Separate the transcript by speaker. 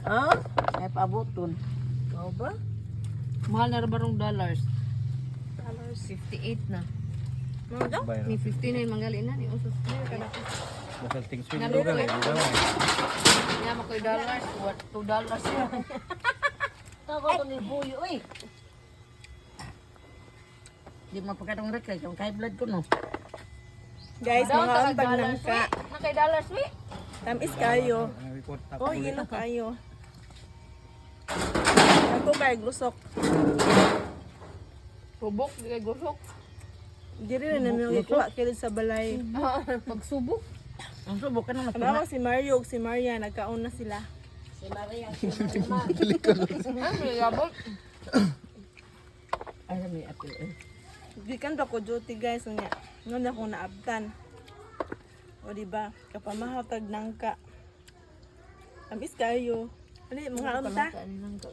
Speaker 1: Ah? Ay paaboton.
Speaker 2: Oo ba?
Speaker 3: Mahal na barong dollars.
Speaker 2: Dollars.
Speaker 3: 58 na.
Speaker 2: Mga daw?
Speaker 4: Bayro.
Speaker 3: Ni 59 manggali na ni usos.
Speaker 4: Dasal ting swing
Speaker 3: Nalo
Speaker 4: dugan
Speaker 3: ko.
Speaker 4: eh. Dugan eh.
Speaker 3: Niya mo koy dollars, what 2 dollars yan.
Speaker 1: Tago ko ni buyo oy. Di mapakatong rek kay kung high blood ko no.
Speaker 2: Guys, mga ambag ng ka.
Speaker 3: Na kay dollars wi.
Speaker 2: Tamis kayo.
Speaker 4: Ang report tap.
Speaker 2: Oh, yelo kayo. Ako kay gusok.
Speaker 3: Subok di kay gusok.
Speaker 2: Diri na namin ikuha kilid sa balay.
Speaker 3: Pagsubok.
Speaker 1: Ang subok ka na
Speaker 2: Ano
Speaker 1: matuna.
Speaker 2: si Mario ug si Maria nagkaon na sila.
Speaker 1: Si Maria, si Maria.
Speaker 3: Ay, yabot.
Speaker 1: Ay, may apil eh.
Speaker 2: Gikan pa ko duty guys unya. Ngon ako naabtan. O di ba? Kapamahaw tag nangka. Tamis kayo. Ano mga unta?